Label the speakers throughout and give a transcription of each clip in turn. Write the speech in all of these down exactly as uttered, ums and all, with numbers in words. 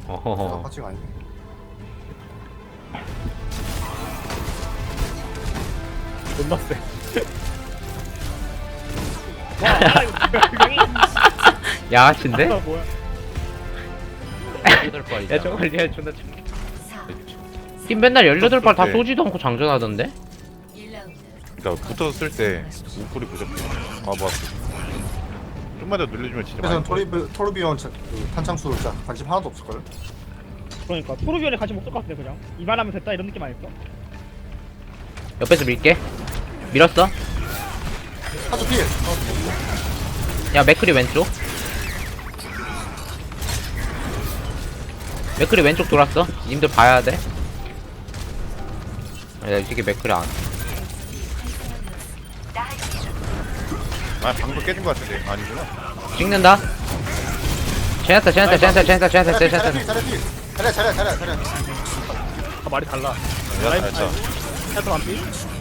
Speaker 1: 어허허.
Speaker 2: 파츠가 아니네.
Speaker 3: 존나 세. 와, 아, 이거 뭐야,
Speaker 1: 야하신데?
Speaker 3: 이거 뭐야?
Speaker 4: 여덟 발이다.
Speaker 1: 야 저걸 얘 존나 참. 팀 맨날 열여덟 발 다
Speaker 5: 네.
Speaker 1: 쏘지도 않고 장전하던데?
Speaker 5: 그러니까 붙었을 때 우쿨이 부족해. 아 뭐. 좀만 더 늘려주면 진짜
Speaker 2: 그래서
Speaker 5: 많이.
Speaker 2: 토리비 토르비온 차- 그 탄창수 진짜 관심 하나도 없을걸?
Speaker 3: 그러니까 토르비언에 같이 못 쓸 것 같은데 그냥 이만하면 됐다 이런 느낌 아닐까?
Speaker 1: 옆에서 밀게. 밀었어.
Speaker 2: 파츠 필!
Speaker 1: 야 맥크리 왼쪽. 맥크리 왼쪽 돌았어. 님들 봐야 돼. 야 이 새끼 맥크리 안.
Speaker 5: 아 방금 깨진 것 같은데 아니구나.
Speaker 1: 찍는다. 제나타 제나타 제나타 제나타 제나타
Speaker 2: 잘해
Speaker 1: 제나타.
Speaker 2: 필! 잘해 필! 잘해 잘해 잘해 잘해
Speaker 3: 아 말이 달라.
Speaker 5: 야 잘했다.
Speaker 3: 해도 안 삐?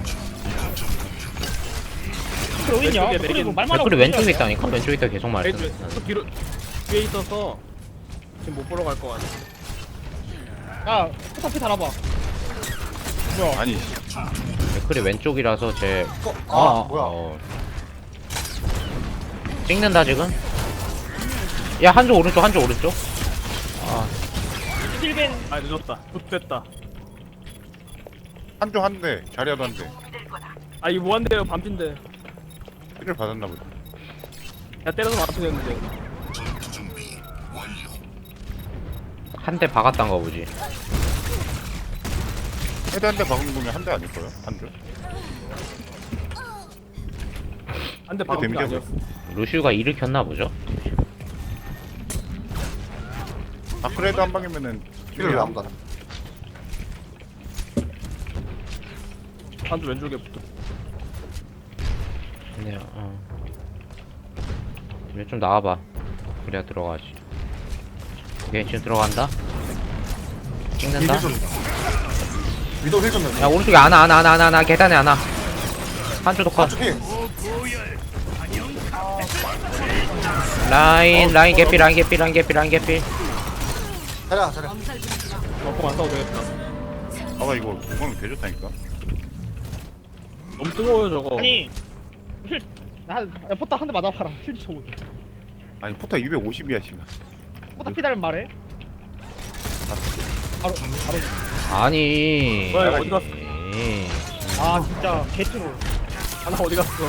Speaker 3: 그래 어딨냐? 그래 뭐 말만 하고
Speaker 1: 맥크리 왼쪽에
Speaker 3: 그러냐?
Speaker 1: 있다니까. 왼쪽에 있다 계속 말했어.
Speaker 3: 또 뒤로 뒤에 있어서 지금 못 보러 갈 것 같아. 야 포탑피 달아봐. 뭐야?
Speaker 5: 아니
Speaker 1: 맥크리 왼쪽이라서 제.
Speaker 2: 어, 아
Speaker 1: 어,
Speaker 2: 뭐야
Speaker 1: 어. 찍는다 지금. 야 한쪽 오른쪽 한쪽 오른쪽. 아
Speaker 3: 힐벤. 아 늦었다. 좋됐다.
Speaker 5: 한쪽 한대 자리야도 한대.
Speaker 3: 아 이거 뭐한대요 반핀데.
Speaker 5: 피를 받았나 보다.
Speaker 3: 야 때려서 맞춰졌는데.
Speaker 1: 한 대 박았단 거 보지.
Speaker 5: 헤드 한 대 박은 거면 한 대 아닐 거야? 한 대?
Speaker 3: 안돼
Speaker 5: 그
Speaker 3: 방금
Speaker 5: 데미지가
Speaker 3: 아니었어.
Speaker 1: 루시우가 일으켰나 보죠.
Speaker 5: 아 그래도 한 방이면은
Speaker 2: 필을 왜 아무도 안 해?
Speaker 3: 한쪽 왼쪽에 붙어.
Speaker 1: 근데 어. 이제 좀 나와봐. 그래야 들어가지. 오케이 지금 들어간다. 찍는다.
Speaker 2: 힐좀 위도 힐좀
Speaker 1: 야 오른쪽에 안아 안아 안아 안아 안아 계단에 안아. 한쪽 컷.
Speaker 2: 파츠 필!
Speaker 1: 라인 라인 개피 라인 개피 라인 개피 라인 개피.
Speaker 2: 잘해 잘해
Speaker 3: 먹고 안 싸워도 되겠다.
Speaker 5: 아가 이거 공간이 개 좋다니까.
Speaker 3: 너무 뜨거워요 저거. 아니 힐. 나 포탑 한 대 맞아봐라. 힐 쳐보.
Speaker 5: 아니 포타 이백오십이야 지금.
Speaker 3: 포탑 피달면 말해. 바로 바로.
Speaker 1: 아니.
Speaker 3: 뭐야, 어디 갔어?
Speaker 1: 에이.
Speaker 3: 아 진짜 개트롤. 하나 어디 갔어?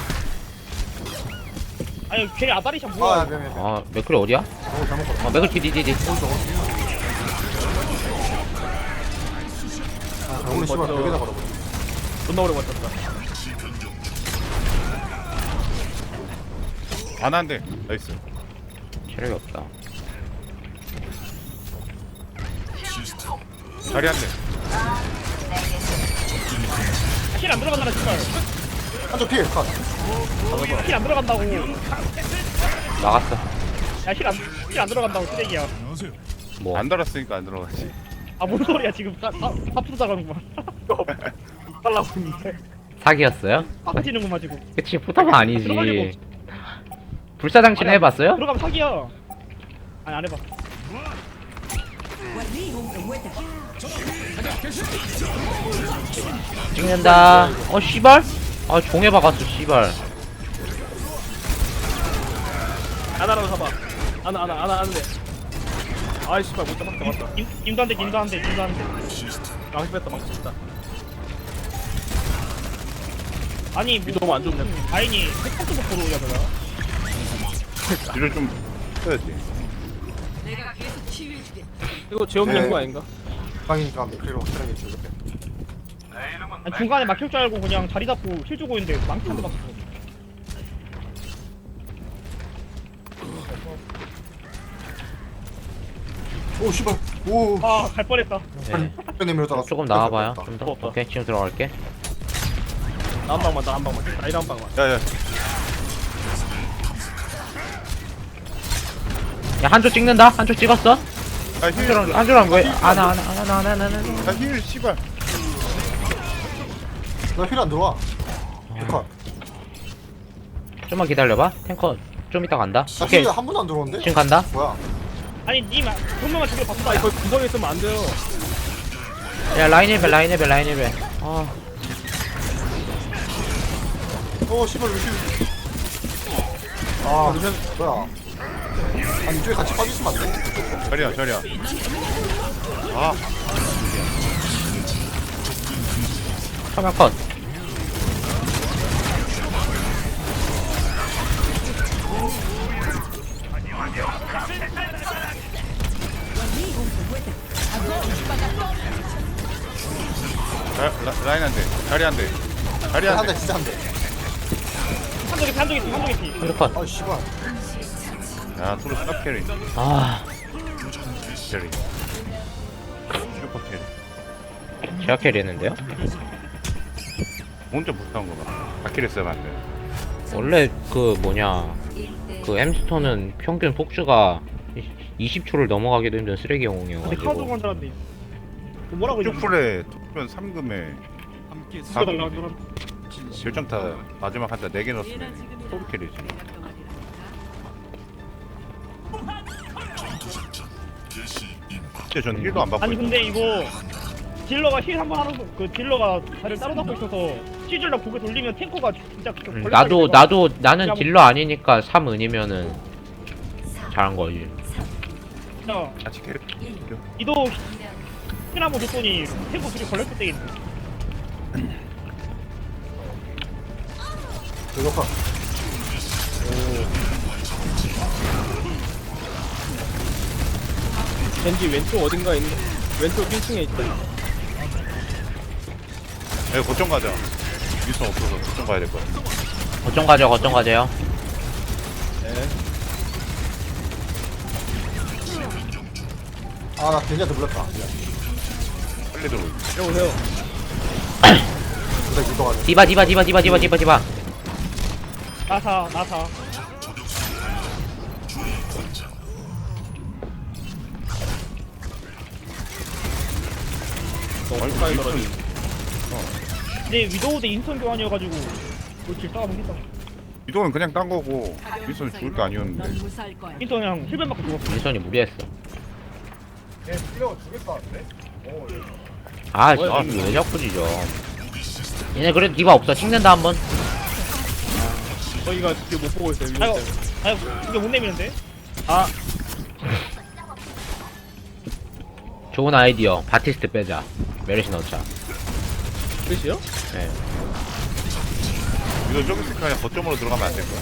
Speaker 3: 아니 걔 아다리샷
Speaker 2: 아
Speaker 3: 뭐야?
Speaker 2: 미안 미안 미안
Speaker 1: 아 맥크리 어디야?
Speaker 2: 어 잘못 걸었어
Speaker 1: 어 맥크리 디디디.
Speaker 2: 아 오늘 씨발 벽에다 걸어버려
Speaker 3: 존나 오래 버텼다.
Speaker 5: 안 한대. 나이스.
Speaker 1: 체력이 없다.
Speaker 5: 자리 한 대.
Speaker 3: 힐 안 들어간다 진짜.
Speaker 2: 한쪽 필! 컷!
Speaker 3: 힐 안 들어간다고.
Speaker 1: 나갔어.
Speaker 3: 야힐안힐 안 들어간다고 쓰레기야.
Speaker 1: 뭐.
Speaker 5: 안 달았으니까 안 들어가지.
Speaker 3: 아 뭔 소리야 지금 사프로 자가는구만. 달라고 했는데
Speaker 1: 사기였어요?
Speaker 3: 빠지는구만 지금.
Speaker 1: 그치 포탑은 아니지.
Speaker 3: 들어가려고.
Speaker 1: 불사장치는
Speaker 3: 아니야,
Speaker 1: 해봤어요?
Speaker 3: 들어가면 사기야. 아니 안 해봐.
Speaker 1: 찍는다. 어 씨발. 아 종에 박았어 씨발.
Speaker 3: 아나라도 잡아. 아나 아나 아나 안돼. 아이 씨발 못 잡았다 맞다. 김 김도 한대 김도 한대 김도 한대. 망치 뺐다 망치 뺐다. 아니 위도 안 좋네. 다행히 핵폭도 못 보러 오냐 내가.
Speaker 5: 뒤를 좀 써야지.
Speaker 3: 이거 재없는
Speaker 2: 네.
Speaker 3: 거 아닌가?
Speaker 2: 방이니까 맥크리로 확실하게 줄게
Speaker 3: 아니, 중간에 막힐 줄 알고 그냥 자리 잡고 힐 주고 있는데 망치 한대 맞았어.
Speaker 2: 오 씨발 오
Speaker 3: 아갈 뻔했다.
Speaker 1: 네.
Speaker 2: 내밀었다가
Speaker 1: 조금 나와봐요. 좀 더. 오케이 지금 들어갈게.
Speaker 3: 나 한 방만 나 한 방만 나 이런 한 방만.
Speaker 5: 야야.
Speaker 1: 야 한쪽 찍는다. 한쪽 찍었어.
Speaker 5: 아 힐.
Speaker 1: 한쪽랑 한쪽랑 왜? 아나 아나 아나 아나 아나 아나.
Speaker 5: 아 힐 씨발.
Speaker 2: 나힐안 들어와 컷!
Speaker 1: 좀만 기다려봐. 탱커 좀 이따 간다.
Speaker 2: 나
Speaker 1: 오케이
Speaker 2: 힐이 한 번도 안 들어오는데?
Speaker 1: 지금 간다.
Speaker 2: 뭐야
Speaker 3: 아니 님 분명한 저기 바꾼다. 이거 구성에 있으면 안 돼요.
Speaker 1: 야 라인 힐벨 라인 힐벨 라인 힐벨. 아
Speaker 2: 어 씨발 루시. 아 루시 뭐야? 아니 이쪽에 같이 빠지시면 안 돼?
Speaker 5: 자리야 자리야. 아
Speaker 1: 화면 컷.
Speaker 5: 라, 라, 라인 한 대. 자리 한 대. 자리 한
Speaker 2: 한대
Speaker 5: 대.
Speaker 2: 진짜 한 대.
Speaker 3: 한쪽에 피 한쪽에 피 한쪽에 피.
Speaker 1: 한조 컷.
Speaker 2: 아 씨발.
Speaker 5: 야 토르 스탑 캐리.
Speaker 1: 아
Speaker 5: 캐리. 슈퍼 캐리.
Speaker 1: 제가 캐리했는데요?
Speaker 5: 혼자 못한 거봐. 아키레스 하면 안 돼.
Speaker 1: 원래 그 뭐냐 그 햄스터는 평균 폭주가 이십 초를 넘어가기도 힘든 쓰레기
Speaker 3: 근데 카드
Speaker 1: 영웅이어가지고
Speaker 3: 한 사람인데. 뭐라고 이거?
Speaker 5: 슈플에 토면 삼 금에
Speaker 3: 누가 달라 그럼.
Speaker 5: 결정타 마지막 한타 네 개 넣었으면 토르 캐리지. 진짜 전 힐도 안 받고
Speaker 3: 아니
Speaker 5: 있어.
Speaker 3: 근데 이거 딜러가 힐 한 번 하는 거, 그 딜러가 다리를 따로 잡고 있어서 시즌러 고개 돌리면 탱커가 진짜 그
Speaker 1: 음,
Speaker 3: 걸레
Speaker 1: 나도
Speaker 3: 다리가
Speaker 1: 나도 나는
Speaker 3: 그냥-
Speaker 1: 딜러 아니니까 삼 은이면은 잘한 거지.
Speaker 3: 진짜
Speaker 5: 같이 캐리.
Speaker 3: 이도 힐 한 번 줬더니 탱커 둘이 걸렸을 때
Speaker 2: 이거
Speaker 3: 겐지 왼쪽 어딘가 있는 왼쪽 일 층에 있다.
Speaker 5: 야 거점 가자. 미선 없어서 거점 가야 될 거야.
Speaker 1: 거점 가죠 거점 가세요.
Speaker 2: 아나 겐지한테 물렸다.
Speaker 5: 빨리 들어.
Speaker 3: 여보세요.
Speaker 2: 근데 이거 가자.
Speaker 1: 디바 디바 디바 디바 디바 디바 디바.
Speaker 3: 나사 나사.
Speaker 5: 너무
Speaker 3: 가까이 떨어지. 근데 위도우 대 인턴 교환이어가지고 뭐질 따가보겠다.
Speaker 5: 이동은 그냥 딴 거고 미선 죽을 게 아니었는데.
Speaker 4: 넌 무사할 거야.
Speaker 3: 인턴 그냥 힐벤 맞고 죽었어.
Speaker 1: 민선이 무리했어.
Speaker 2: 얘 뛰어 죽겠다는데? 어.
Speaker 1: 아
Speaker 3: 뭐야,
Speaker 1: 진짜 왜 자꾸 지죠. 얘네 그래도 디바 없어. 찍는다 한번.
Speaker 3: 저희가 지금 못 보고 있어요. 아유, 아유, 이게 못 내미는데? 아,
Speaker 1: 좋은 아이디어. 바티스트 빼자. 메르시 넣자.
Speaker 3: 끝이요?
Speaker 1: 네.
Speaker 5: 이거 저기 스카야 거점으로 들어가면 안 될 거야.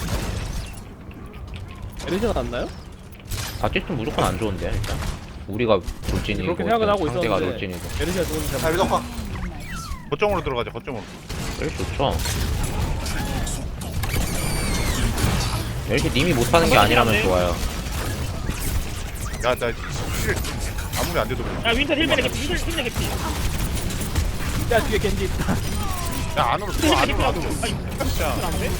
Speaker 3: 에리션 났나요?
Speaker 1: 바티스트 무조건 안 좋은데 일단. 우리가 돌진이고
Speaker 3: 그렇게 생각은 하고
Speaker 1: 상대가
Speaker 3: 있었는데
Speaker 1: 돌진이고.
Speaker 3: 에리션 좋은
Speaker 2: 자
Speaker 3: 잘
Speaker 2: 위도카.
Speaker 5: 거점으로 들어가자. 거점으로.
Speaker 1: 메르시 좋죠. 메르시 님이 못하는 게 아니라면 좋아요.
Speaker 5: 야나 실 아무리 안 돼도 그냥.
Speaker 3: 야, 윈터 힐벤에 개피, 윈터 힐벤에 개피. 야, 뒤에 겐지 있다.
Speaker 5: 야 안으로 들어.
Speaker 3: 힐벤에
Speaker 5: 안으로
Speaker 3: 개피
Speaker 5: 안으로.
Speaker 3: 나도. 아니,
Speaker 5: 진짜.
Speaker 3: 안 돼?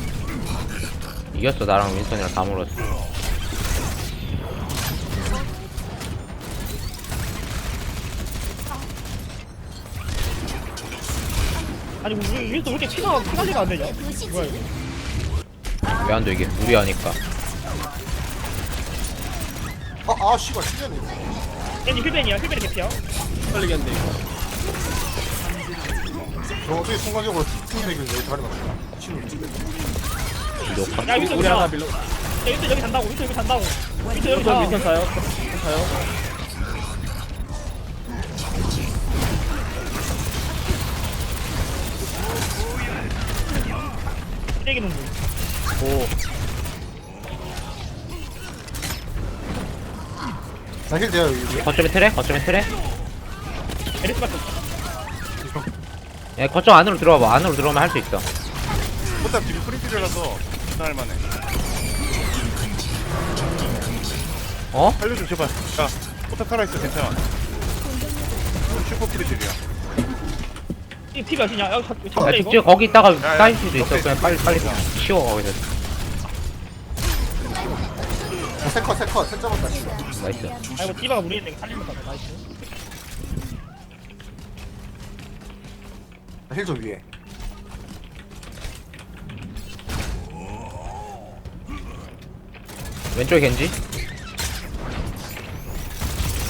Speaker 1: 이겼어. 나랑 윈선이랑 다 물었어.
Speaker 3: 아니, 우리 윈터 왜 이렇게 피가, 피 관리가 안 되냐? 뭐야, 이거?
Speaker 1: 왜 안 돼 이게? 무리하니까.
Speaker 2: 아아 씨발 신기하네.
Speaker 3: 겐지 힐벤이야, 힐벤에 개피야. 빨리겠네, 이거.
Speaker 2: 저 어떻게 순간적으로 팀맥을 여기 자리 맞추나? 미친놈.
Speaker 1: 이거
Speaker 3: 야, 윈터 우리 하나 빌려. 야, 윈터 여기 잔다고, 윈터 여기 잔다고. 윈터 여기 자. 윈터 자요? 자요? 쓰레기 놈들. 오.
Speaker 2: 나힐 돼요 여기.
Speaker 1: 거점에 트레? 거점에 트레?
Speaker 3: 에리스밖에 없어.
Speaker 1: 예, 거점 안으로 들어와봐. 안으로 들어오면 할 수 있어.
Speaker 5: 포탑 지금 프린트라서 할 만해.
Speaker 1: 어?
Speaker 5: 살려줘 제발. 야 포탑 살아있어 괜찮아. 슈퍼 프리딜이야.
Speaker 3: 이 피 몇이냐? 야, 잡,
Speaker 1: 야,
Speaker 3: 잡래 이거?
Speaker 1: 직접 거기 있다가
Speaker 5: 야,
Speaker 1: 쌓일 수도 있어.
Speaker 5: 옆에
Speaker 1: 그냥 빨리 빨리 치워 거기서.
Speaker 2: 세컷 세컷 세 잡았다 씨발.
Speaker 1: 나이스.
Speaker 3: 아 이거 디바가 무리했네. 살리면 다 나이스.
Speaker 2: 힐 좀 위에.
Speaker 1: 왼쪽에 겐지?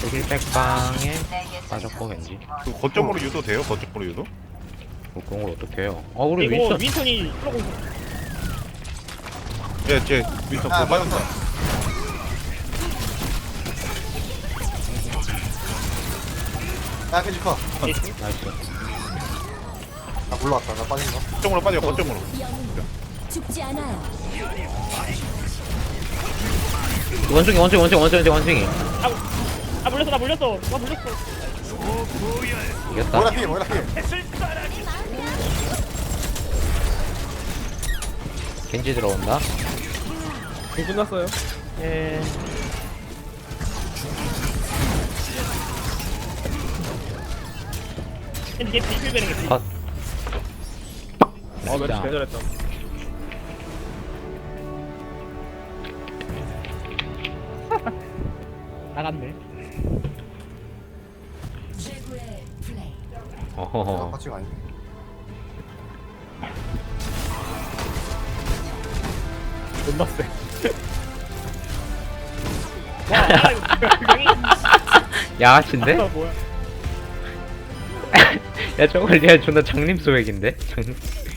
Speaker 1: 힐백방에 빠졌고 겐지.
Speaker 5: 그 거점으로 유도 돼요? 거점으로 유도?
Speaker 1: 뭐 그런 걸 어떻게 해요? 아 우리
Speaker 3: 이거
Speaker 1: 윈스턴
Speaker 3: 윈턴이 풀어고 있어.
Speaker 5: 예, 제 윈터
Speaker 2: 아,
Speaker 5: 그거 빠졌다.
Speaker 2: 야 겐지 컷.
Speaker 1: 나이스.
Speaker 2: 나 물러왔다. 나 빠진 거.
Speaker 5: 거점으로 빠져, 거점으로.
Speaker 4: 죽지 않아요.
Speaker 1: 원숭이 원숭이 원숭이 원숭이 원숭이
Speaker 3: 아, 아 물렸어 나 물렸어. 나 물렸어.
Speaker 1: 이겼다.
Speaker 2: 뭐라 피해 뭐라 피해.
Speaker 1: 겐지 들어온다.
Speaker 3: 공 끝났어요.
Speaker 1: 예.
Speaker 3: 겐지 겐지 힐 베는 게.
Speaker 1: 컷.
Speaker 3: 아 멘트
Speaker 1: 진짜.
Speaker 3: 대단했다. 나갔네.
Speaker 2: 아,
Speaker 1: 어허허.
Speaker 2: 빠지가 아니네.
Speaker 3: 존나 세. 와, 아, 이거
Speaker 1: 야하신데?
Speaker 3: 아, 뭐야?
Speaker 1: 야 저걸 얘 존나 장님 소액인데? 장...